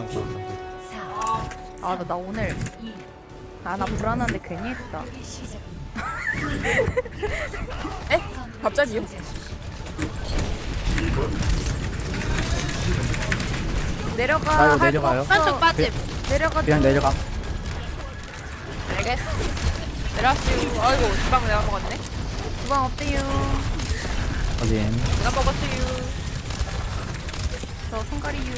나 오늘 나 불안한데 괜히 했다. 에? 갑자기요? 내려가. 나 이거 할 내려가요? 거 없어. 한쪽 빠짐. 내려가. 그냥 내려가. 알겠어. 내려왔어요. 아이고, 주방 내가 먹었네. 주방 없대요. 확인. 내가 먹었어요. 저 손가리유.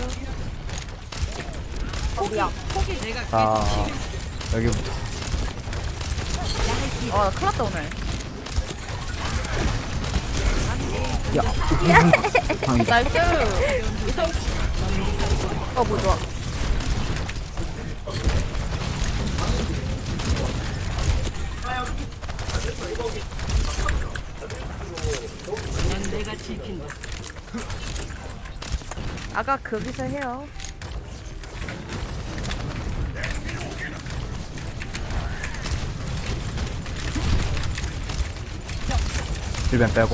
자, 여기부터. 나 큰일 났다 오늘. 야, 방이다. 나이스. 뭐 좋아. 아까 거기서 해요. 일벤 빼고.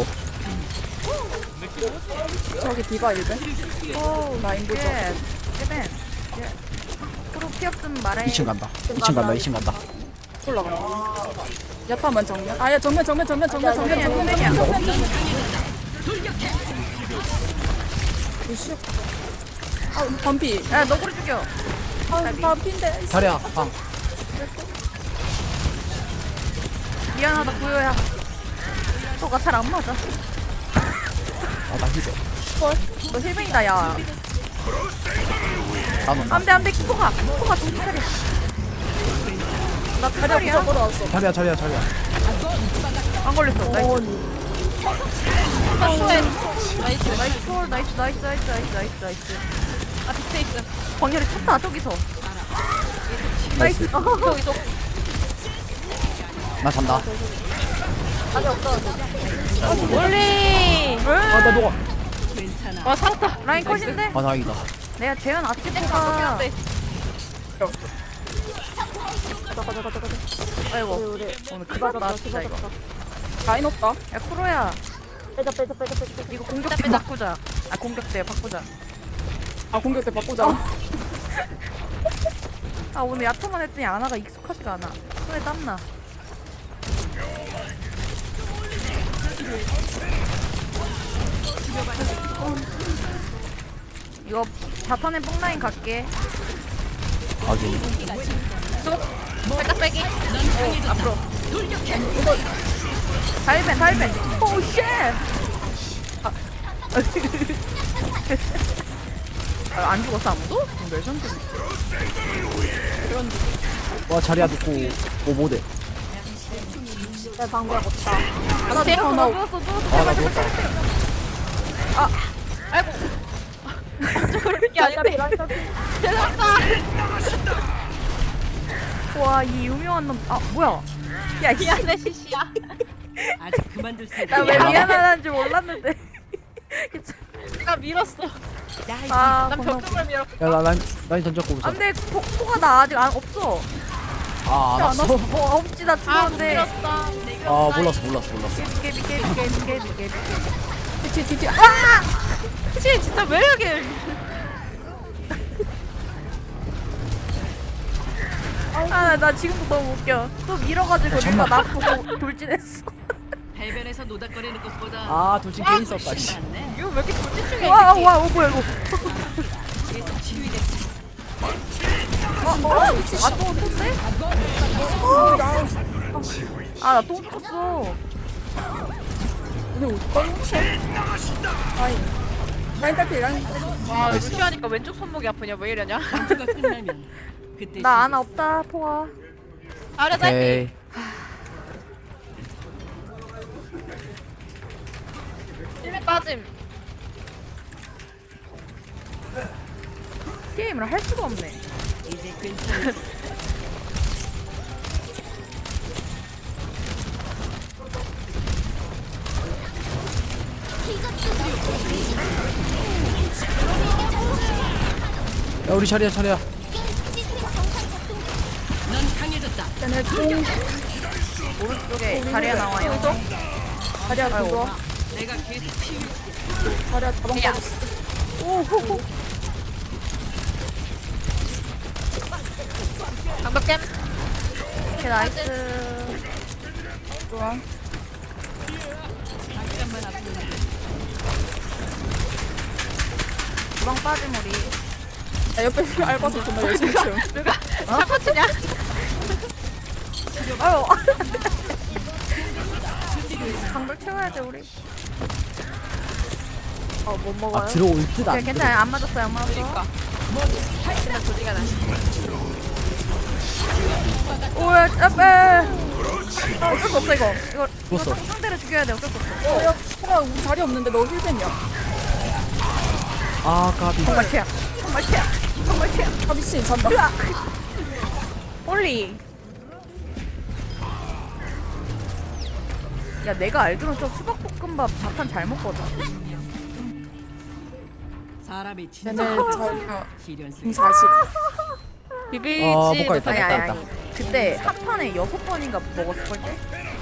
저기 디바 일벤? 오, 라인 보죠. 예벤. 프로 피 없으면 말해. 2층 간다. 2층 간다. 2층 간다. 올라가. 야타만 정면. 아야 정면. 정면이야. 루시오. 아 반피. 야, 너구리 죽여. 아 반피인데. 자리야, 방. 미안하다, 구요야. 너가 잘 안 맞아. 아, 나 희재. 너 힐뱅이다, 야. 나는 안 돼, 키코가 정신 차려. 나 자리야 차려야. 부자 걸어왔어. 자리야. 안 걸렸어. 나이스. 나이스. 나이스, 초월, 나이스. 아, 빅테 있어. 광열이 쳤다, 저기서. 나이스. 저기. 나 잔다. 멀리. 아, 나 녹아. 와, 살았다. 라인 컷인데? 아, 다행이다. 내가 재현 땡겨, 아티스트가. 땡겨. 아이고, 오늘 그거다, 진짜 이거. 라인 없다. 야, 쿠로야. 빼자. 이거 공격대 바꾸자. 공격대 바꾸자. 아 공격 때 바꾸자. 오늘 야타만 했더니 아나가 익숙하지가 않아. 손에 땀나. 이거 자탄에 뽕라인 갈게. 확인. 살짝 빼기. 앞으로. 달벤. 오, 쉣! 안 죽었어, 아무도? 레전드. 와, 자리야 듣고 오보대. 나 누웠어. 아, 나 누웠다. 그렇게 아닌데. 죄송합니다. 와, 이 유명한 놈. 뭐야. 야, 미안해, 시시야. 아직 그만둘 생각. 나 왜 미안하다는 줄 몰랐는데. 내가 밀었어. 난 고마워. 벽돌을 밀었어. 야, 나 라인 던졌고 우선. 안 돼, 폭포가 나 아직 없어. 아, 알았어. 없지, 나 아, 못 죽었는데. 밀었다. 아, 몰랐어. 깨비. 뒤. 시 진짜 왜 이렇게. 나 지금도 너무 웃겨. 또 밀어가지고 누가 나 보고 돌진했어. 해변에서 노닥거리는 것보다 아, 돌진 괜히 썼다. 씨. 낫네. 이거 왜 이렇게 불집중해? 와, 뭐야, 이거. 그래서 치유됐어. 또 쎄? 나 또 죽었어. 근데 어떡하지? 라인 딸피 라인. 와, 루시하니까 왼쪽 손목이 아프냐? 왜 이러냐? 전투가 끝나면 그때 나 아나 없다, 포화. 아래 살피. 오케이. 일면 빠짐. 게임을 할 수가 없네. 이제 괜찮아. 야, 우리 자리야. 넌 강해졌다. 쟤네 총 오른쪽에 자리에 나와요. 자리야 그거. 내가 계속 치유. 자리야 가방 야. 빠졌어. 오호호. 방벽 겜. 오케이 나이스. 좋아. 주방 빠짐 우리. 야, 옆에 알바생 정말 열심히 치워. 샤파치냐? 아유. 방벽 채워야 돼 우리. 못 먹어요. 아 들어올 듯 안 오케이, 들어. 괜찮아요. 안 맞았어요. 안 맞았어. 그러니까. 근데 조지가 나. 오야, 앞에. 어쩔 수 없어 이거. 이거 죽었어. 상대를 죽여야 돼. 어쩔 수 없어. 야, 소라 우리 자리 없는데 너 힐뱀이야. 아 까비. 정말 최악. 정말 최악. 정말 최악. 아 미친 잔다. 홀리. 야 내가 알기로는 저 수박볶음밥 자판 잘 먹거든. 사람이 진짜 쟤네 자리가 시련스 40. 비비지. 못 가겠다. 아니 아니 됐다. 아니. 그때 한 판에 6번인가 먹었을 걸?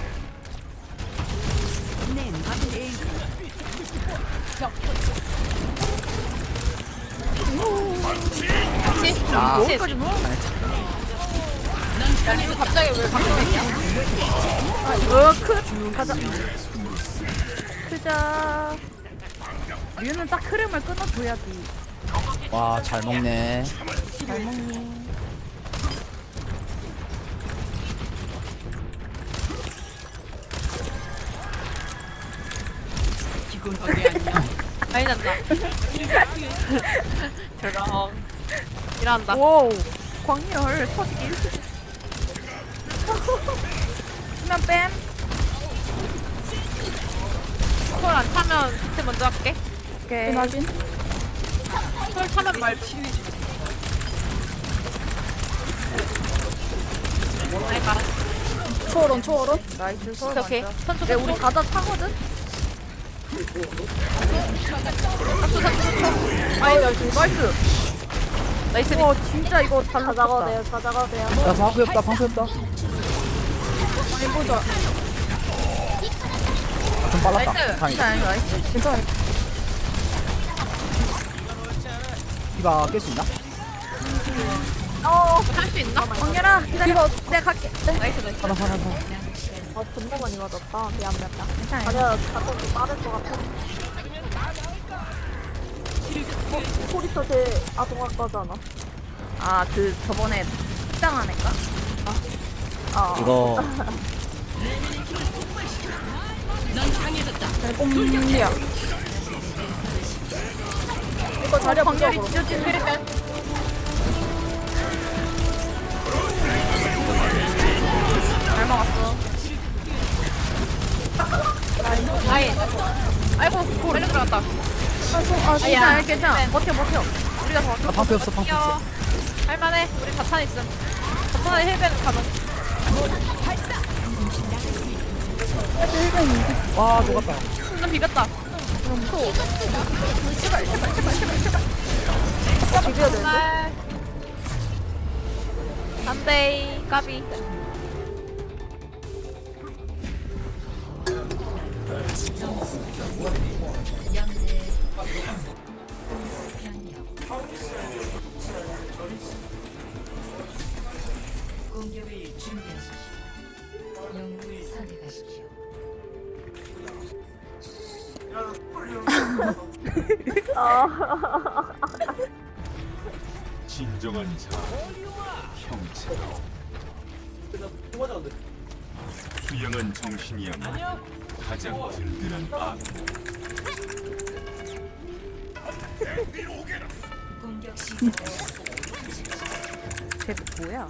아 여기까지 넣어? 야, 이거 갑자기 왜 방송했냐? 가자. 크자. 류는 딱 흐름을 끊어줘야지. 와잘 먹네. 잘 먹니? 기본 거기 아니야. 많이 난다. 저런. 일한다. 와우. 광렬 터지기. 수면 뺨. 콜안 타면 밑에 먼저 할게. 오케이. 확인. 콜 타면 말 치우지. 아이 가. 초월원 초월원. 나이스 서울 오케이. 먼저. 선수 네, 우리 가다 타거든? 나이스. 나이스. 와 진짜 이거 잘 잡았다. 야 방패 없다. 방패 없다. 아니 보자. 아, 좀 빨랐다. 나이스. 다행이다. 진짜 나이스. 괜찮아. 이봐 깰 수 있나? 할 수 있나? 광렬아 기다려. 내가 갈게. 나이스 나이스. 하나. 괜찮아요. 아, 그 저번에 식당한 애가? 이거 넌 강해졌다. 꼼이야. 이거 자리 광렬이 부족으로. 찢어진 흐르면 잘 먹었어. 라인. 아이고 빨리 들어갔다. 괜찮아, 괜찮아. 버텨. 우리가 더 나 방패 없어. 방패 없어. 귀여워. 할만해. 우리 자탄 있음. 자탄에 힐벤 가능. 와 녹았다. 좀 비볐다. 비벼야 되는데? 안돼 까비. 공격을 준비하십시오. 영웅을 선택하십시오. 진정한 자 형체 수양한 정신이야말로 가장 든든한 악 공격 시작. 쟤 뭐야?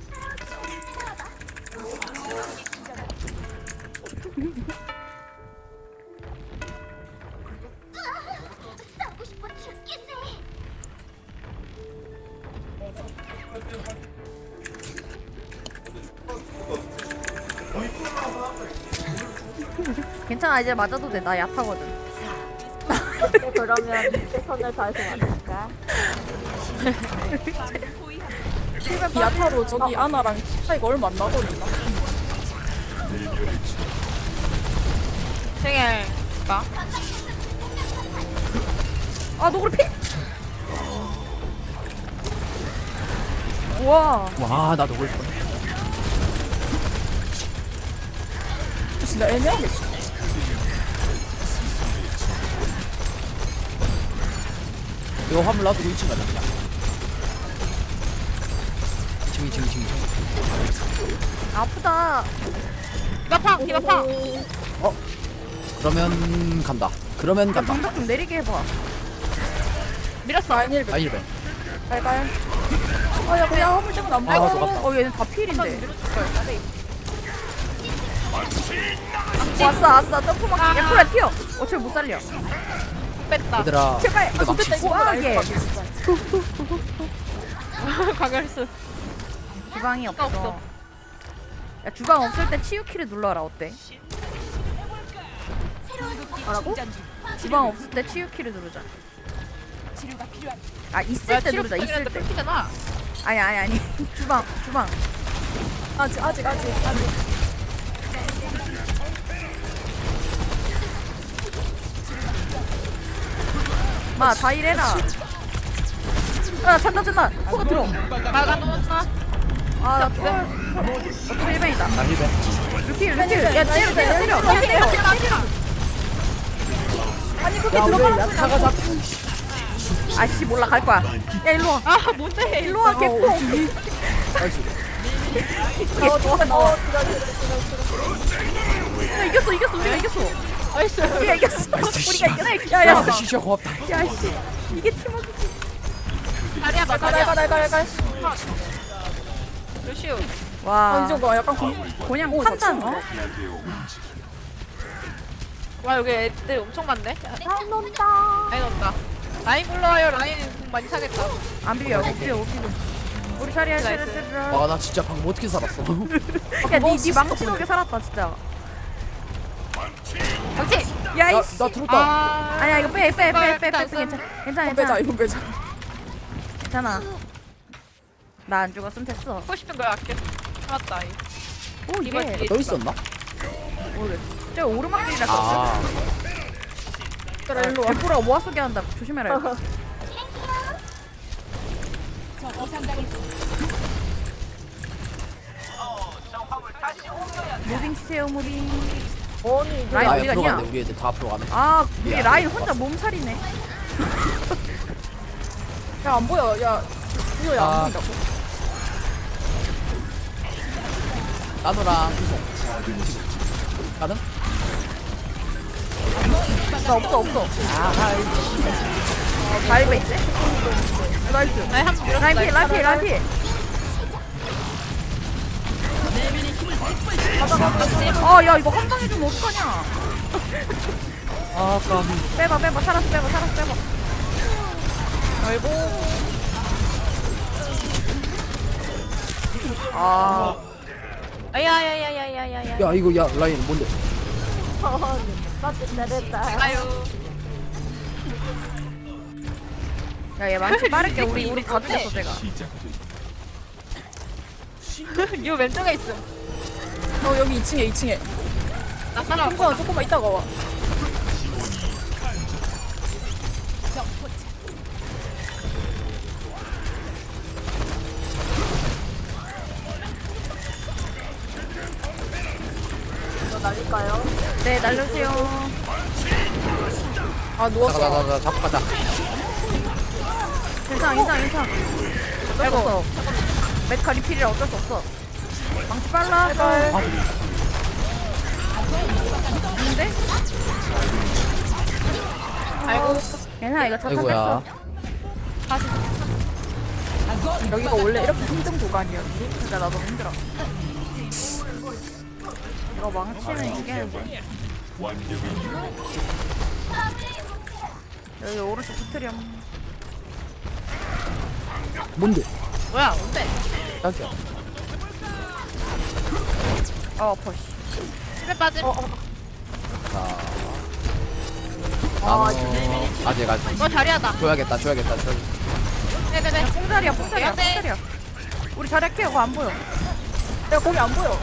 괜찮아 이제 맞아도 돼. 나 약하거든. 그러면 최선을 다해서 만들까? 야타로 저기 아나랑 차이가 얼마 안 나거든요. 생일 봐. 아 너구리 피. 우와. 와, 나 녹을 뻔. 진짜 애매하게 씨. 이거 화물 놔두고 2층 가자, 그냥. 2층. 아프다. 디바팡 디바팡. 그러면 간다. 야, 방벽 좀 내리게 해봐. 밀었어. 라인 1배. 라인 1배. 갈갈. 야 그냥 화물 때문에 안 아, 보여. 속았다. 얘는 다 필인데. 밀어줄걸. 자리. 왔어. 점프막. 야, 코야 튀어. 어차피 못 살려. 뺐다. 얘들아. 제발. 근데 망치. 좋겠다 이거 와, 라인 얘. 봐, 진짜. 강열수. 주방이 없어. 없어. 야, 주방 없을 때 치유키를 눌러라. 어때? 뭐라고? 주방 없을 때 치유키를 누르자. 아, 있을 때 누르자. 있을 때. 잖아. 아니. 주방. 아직. 마, 다 일해라. 아, 잔다. 코가 들어. 막아놓았나? 아, 나 어차피 1ben이다. 나 1배. 루킬. 야, 때려. 아니 그게 야, 우리 들어가는 야타가 잡. 아씨, 몰라. 갈 거야. 야, 일로 와. 아 뭔데? 일로 와, 개코. 나이스. 나와. 야, 이겼어. 우리가 이겼어. 나이스. 우리가 이겼어. 우리가 이겼어. 야, 야, 시시야 고맙다. 야, 씨. 이게 팀워크지. 다리야 봐. 갈갈. 루시우. 와. 이 정도 약간 그냥 오, 판단. 좋다. 와 여기 애들 엄청 많네. 잘 논다. 라인 온다. 라인 불러와요. 라인 공 많이 사겠다. 안 비벼. 우리 자리야. 와, 나 진짜 방금 어떻게 살았어? 야, 니 망치 녹에 살았다, 진짜. 정치. 야, 나 이씨. 들었다. 아니야, 이거 빼. 알았어. 괜찮아. 이거 빼자. 괜찮아. 나 안 죽었으면 됐어. 하고 싶은 걸 아껴. 맞다. 오, 이게. 또 있었나? 저 오르막길이라 아, 그래 일로 와. 개코라 모아 쏘게 한다. 조심해라. 이거. 무빙 치세요, 무빙. 라인 아, 어디 앞으로 갔냐? 갔네. 우리 애들 다 앞으로 가네. 아, 우리 라인 혼자 몸살이네. 야 안 보여. 야 이거 아. 안 보인다고. 나노랑 구송. 가능? 나 없어. 아, 하이. 다이브 있지? 나이스. 라인 한번 밀었어. 라인 피. 야, 이거 한 방에 좀 어떡하냐? 아, 까비. 빼봐. 살았어, 빼봐. 아이고. 아, 아야야야야야야야. 야, 이거, 야, 라인 뭔데? 나도 잘했다. 아유. 야, 얘 많지 빠를게. 우리 다 죽였어, 제가. 이 왼쪽에 있음. 여기 2층에. 나 살아. 조금만 이따가 와. 이거 날릴까요? 네, 날려주세요. 아 누웠어. 나 잡고 가자. 괜찮아. 어쩔 수 없어. 메카 리필이라 어쩔 수 없어. 망치 빨라. 근데? 아이고. 괜찮아, 이거 자탄 아이고야. 됐어. 여기가 원래 이렇게 힘든 구간이었지. 진짜 나 너무 힘들어. 이거 망치는 이기는데. 여기 오른쪽 붙으렴. 뭔데? 뭐야? 뭔데? 깜짝이야. 아파, 씨. 집에 빠짐. 자. 나노. 아직. 자리하다. 줘야겠다. 네네네. 뽕자리야. 네. 우리 자리 할게요. 그거 안 보여. 야 거기 안 보여.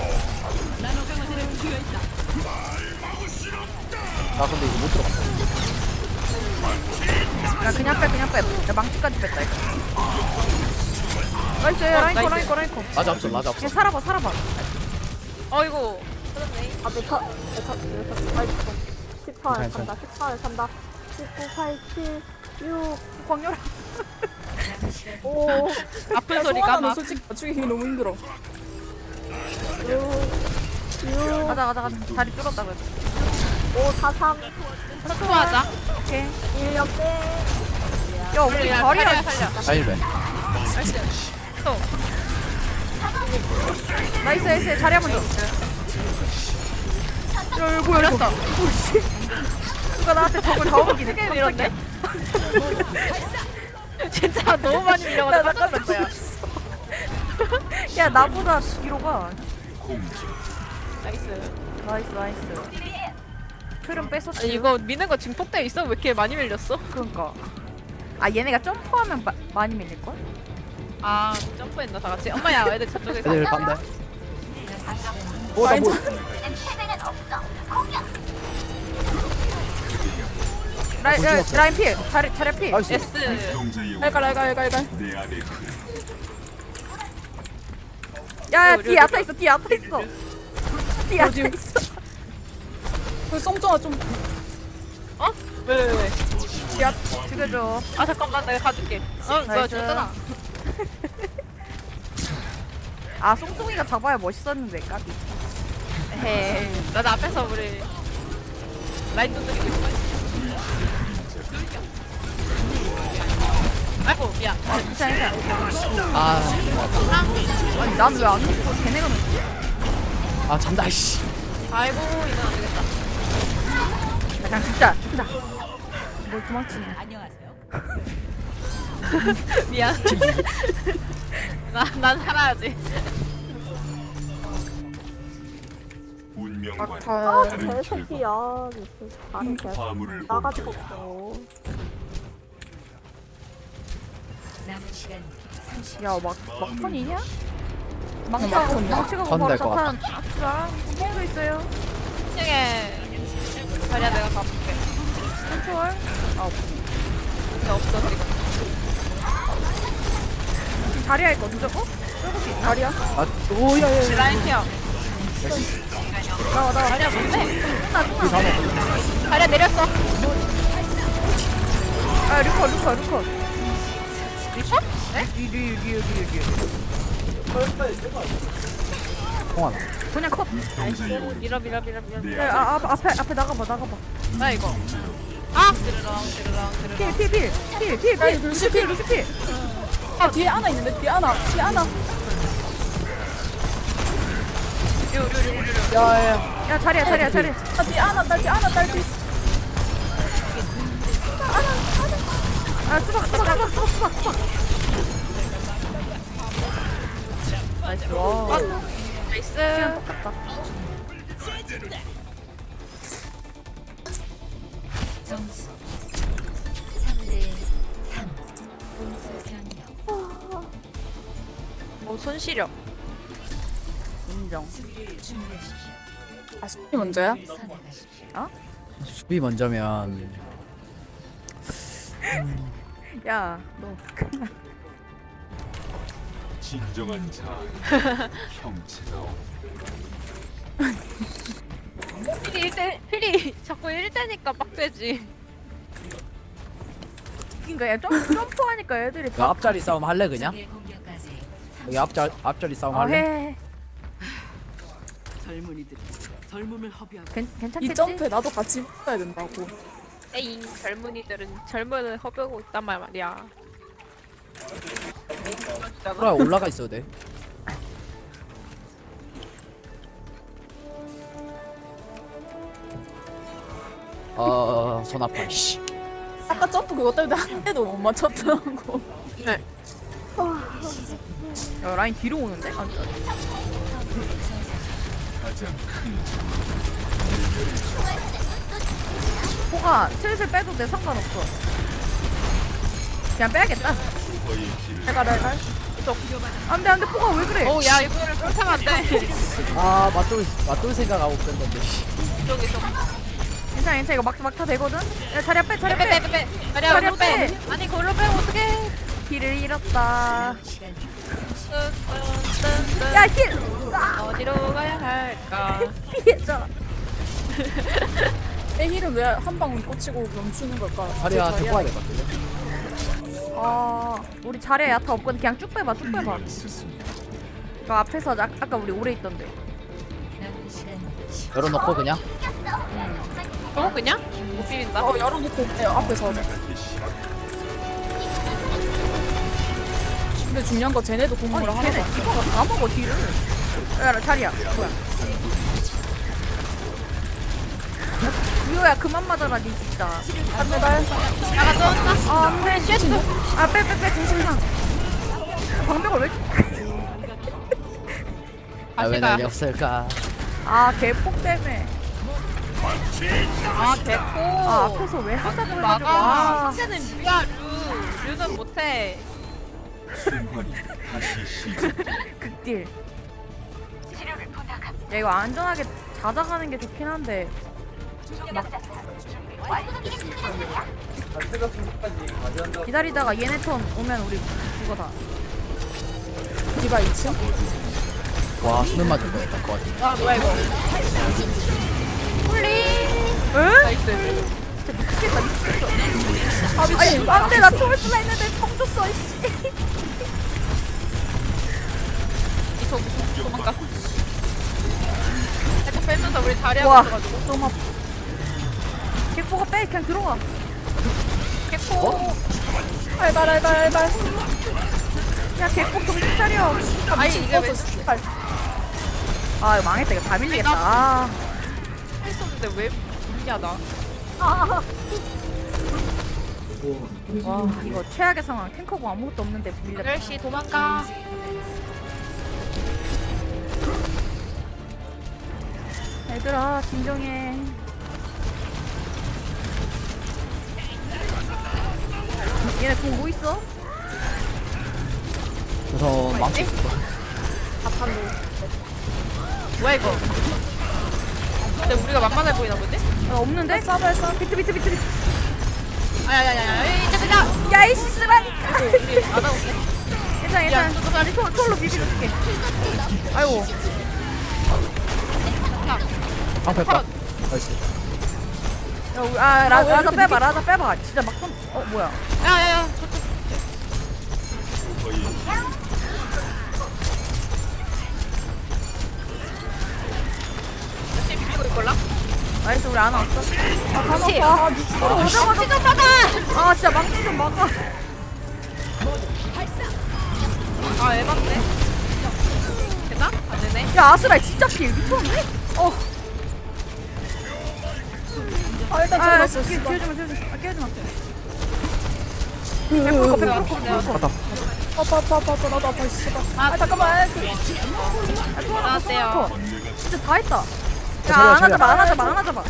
나 근데 이거 못 들어갔어. 야, 그냥 빼. 야, 망치까지 뺐다, 이거. 나이스 라인코. 라자 없어 라자 없어. 그냥 살아봐. 어이구. 터졌네. 아, 메카, 아이고. 14에 괜찮아, 산다, 14에 산다. 19, 8, 7, 6, 광렬아. 5, 아픈 소리가 나는 막. 솔직히 맞추기 너무 힘들어. 6, 가자. 다리 뚫었다 그래. 5, 4, 3, 선수하자. 오케이. 1 역대. 야 우리 자리야. 살려. 자일배. 또. 나이스 자리야 먼저. 야 이거 열렸다. 오씨. 누가 나한테 적을 다 오기네. 크게 밀었네. 진짜 너무 많이 밀려가지고 깜짝 놀랐어요. 야 나보다 뒤로 가. 나이스. 나이스. 흐름 뺐었지. 아니, 이거 미는 거 증폭돼 있어? 왜 이렇게 많이 밀렸어? 그러니까. 아 얘네가 점프하면 많이 밀릴 걸? 아 점프했나 다 같이? 엄마야 애들 저쪽에 있어. 애들 빤데. 오나 뭐? 라인 필. 자리 필. 나이스. S. 동자의 갈갈. 내 안에 야 뒤에 야타 있어. 뒤에 야타 있어. 그 썽쩡아 좀. 어? 왜? 야 죽여줘. 아 잠깐만 내가 가줄게. 어 뭐야 나이스. 죽었잖아. 아 송송이가 잡아야 멋있었는데 까비. 에헤이. 나도 앞에서 우리 라인 두드리고 있어. 아이고 미안. 괜찮아. 아, 아니 난 왜 안 죽어? 걔네가 죽지? 아 잔다 씨. 아이고 이건 안 되겠다. 야, 그냥 죽자. 뭘 도망치니? 안녕하세요. 미안. 난 살아야지. 운명과 아, 다른 결과 개새끼야. 무슨 다른 개. 화물을 나가지고 옮겨 없어. 남은 시간 30초. 야 막판이냐? 막판이야? 망치가 전 바로 될것 같아. 자탄 악수랑 공도 있어요. 1층에 자리야 내가 가볼게. 컨트롤. 근데 없어 지금. 지금 자리야 이거 무조건? 쫄고 있나? 다리야? 아, 오야야. 라인 케어. 나와. 자리야 뭔데? 끝나. 자리야 내렸어. 아 루커. 리퍼? 네? 뒤. 통하나. 그냥 컷. 동자의 온 밀어. 내 야, 앞에 나가봐. 나 이거. 아! 드르렁. 필. 루시 필. 아 뒤에 하나 있는데 뒤에 하나. 야야. 야 자리야. 아 뒤에 하나 딸. 아 수박. 나이스. 와. 나이스. 똑같다. 점수 3대 3. 공수 변경. 손시력. 인정. 수비를 준비하십시오. 아 수비 먼저야? 선택하십시오. 수비 먼저면 야 너. 진정한 자 형체가 필이 자꾸 1대니까 빡세지. 그러니까 야 점프하니까 애들이 그 앞자리 싸움 할래 그냥? 적의 공격까지 여기 앞자리 싸움 어, 할래? 해. 젊은이들 젊음을 허비하고 괜찮겠지? 이 점프에 나도 같이 붙어야 된다고. 에잉 젊은이들은 젊음을 허비하고 있단 말이야. 그래 올라가 있어도 돼. 손 아파. 씨. 아까 점프 그거 때문에 한 대도 못 맞췄더라고. 야 라인 뒤로 오는데? 가장 큰 포가 슬슬 빼도 돼 상관없어. 그냥 빼야겠다. 거의 길을 갈갈. 안돼 포가 왜 그래? 오, 야, 이거를 쫄타면 안 돼. 아 맞돌 생각하고 뺀 건데. 씨. 이쪽. 괜찮아 이거 막타 되거든? 야 자리야 빼. 빼. 자리야 자리야, 걸로 빼. 빼. 아니, 걸로 빼면 어떡해. 길을 잃었다. 시간 야 힐! 어디로 가야 할까? 피해자. 애힐은 왜 한 방울 꽂히고 멈추는 걸까? 자리야 제 데리고 와야 될 것 같은데. 아 우리 자리에 야타 없거든. 그냥 쭉 빼봐 쭉 빼봐. 그 앞에서 아까 우리 오래 있던데. 남은 시간 열어놓고 그냥. 어 그냥? 못 비빈다. 열어놓고 앞에서. 근데 중요한 거 쟤네도 공격을 아니 하나도 걔네 안 해. 디바가 다 먹어 뒤를. 야 자리야 뭐야. 유효야 그만 맞아라 니 진짜. 안돼 날. 나가서 아 안돼 쉣. 아빼빼빼 정신상. 방벽을 왜? 아, 왜 가시가. 날렸을까? 아 개폭 때문에. 아 됐고. 아 앞에서 왜 하자고 해가지고. 막아. 아 신체는 뮤야 류는 못해. 순환이 다시 시작. 극딜. 야 이거 안전하게 찾아가는 게 좋긴 한데. 막 기다리다가 얘네 턴 오면 우리 이거다. 디바 2층? 와 수면 맞을 뻔했다 것 같아. 아 뭐야 이거? 응? 나이스. 진짜 미치겠다 미치겠어. 아 미친. 안돼 나 초월 쓰라 했는데 성 줬어 이씨. 이거 도망가. 살짝 빼면서 우리 자리하고 와 있어가지고. 너무 아파. 개뽀가 빼 그냥 들어가. 개코. 알발. 야 개뽀 정신 차려. 아니 이게 왜 아 이거 망했다 이거 다 밀리겠다. 아. 했었는데 왜 밀냐 나? 와 이거 최악의 상황. 탱커고 아무것도 없는데 밀렸다. 8시 도망가. 얘들아 진정해. 얘네 공 뭐 있어? 우선 망치 있을 거야. 뭐야 이거? 근데 우리가 만만해 보이나 보지? 없는데? 싸봐 비트. 아야야야야 이제 야이씨 쓰라니까. 우리 안 하고 있어. 괜찮아. 우리 톨로 비비줄게. 아이고. 방패 빠. 나이스. 야, 우리, 아 라자 빼봐. 진짜 막 좀. 뭐야? 야야야 거의 열심히 비비고 있걸라? 나이스 우리 안 왔어. 그렇지. 아 미친. 망치 좀 막아. 아 진짜 망치 좀 막아. 아 에반데? 됐나? 안 되네. 야 아스라 진짜 필 미쳤네? 일단 아 잡았어. 끼워주마. 아 끼워주마. 갔다. 아파 나도 아파 씨발. 아 잠깐만. 나왔대요. 진짜 다 했다. 자리야, 야안 자리야. 하자마.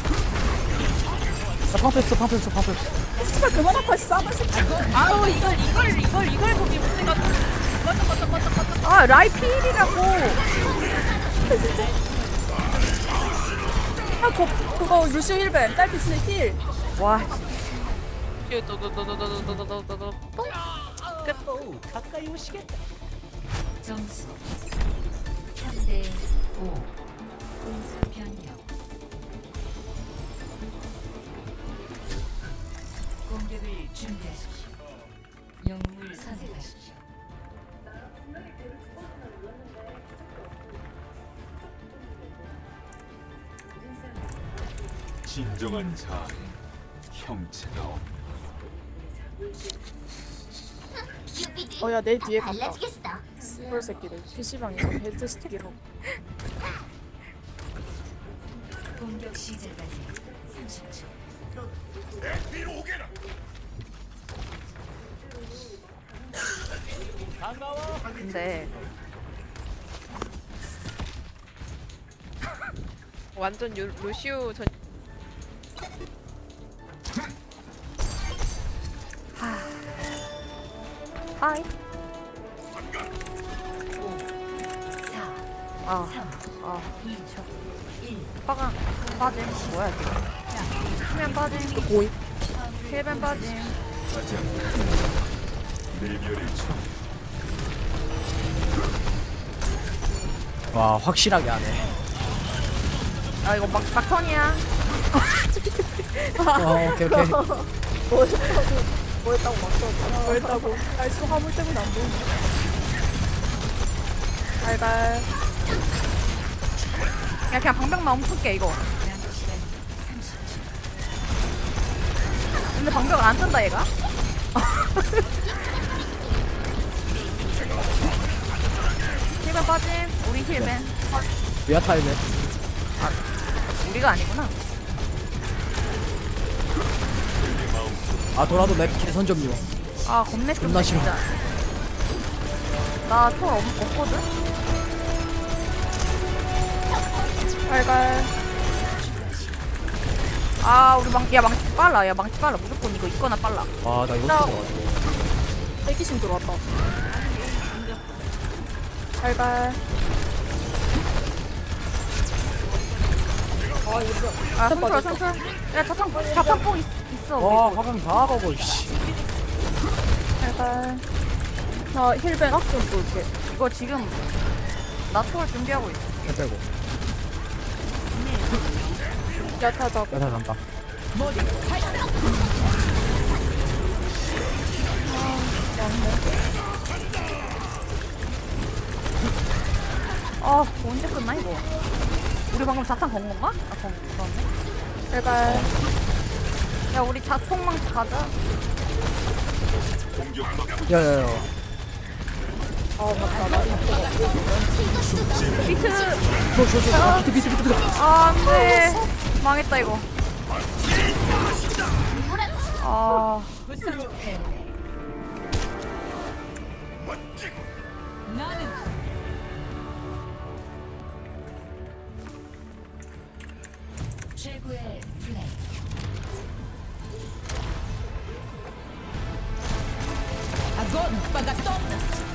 나 방패 없어. 씨발 그만 아파 싸발 새끼. 아우 이걸 거기 못해가지고. 맞아. 아 라이 필이라고. 그거 루시오 힐벤 딸피 스네 힐. 와 도도도도도도도도도도. 점수 3대 5 공수 변경 공격을 준비하십시오. 영웅을 선택하십시오. 진정한 자아는 형체가 없다. 어야 내 뒤에 간다. 씨발 새끼들 PC방에서 헤드스틱이라고. 공격 시작까지 30초. 근데 완전 루시우 전. 하이. 4 아 3 미쳐. 1 빠가 빠짐. 뭐야 이거? 수면 빠짐. 고이. 힐벤 빠짐. 가장 내 별의 총 와 확실하게 하네. 아 이거 막턴이야. 오케이 오케이. 뭐 했다고 막 써. 뭐 했다고. 날수 화물 때문에 안 보인다. 달달. 야 그냥 방벽만 멈출게 이거. 근데 방벽을 안 뜬다 얘가. 힐맨 빠짐. 우리 힐맨. 야타이네. 우리가 아니구나. 아 돌아도 맵 개선 점요. 아 겁내 존나 싫어. 진짜. 나톨 없거든. 달달. 아 우리 망치 빨라. 야 망치 빨라. 무조건 이거 있거나 빨라. 아나 이거 나- 들어가지고. 대기신 들어왔다. 달달. 아 손풀어 손풀. 야 자탄 뽕 있어. 와 우리. 화강 다 가고 씨. 달달. 나 힐벤 악좀 볼게. 이거 지금 나 톨 준비하고 있어. 해 빼고. 야타 잡. 야타 간다. 아 언제 끝나 이거? 우리 방금 자탄 건 건가? 아 그렇네. 달달. 야 우리 자폭망치 가자. 야야야. 아 맞다. 나 비트. 저저저 비트. 아 안돼. 망했다 이거. 아 최고의 플레이. Agora, pagatona!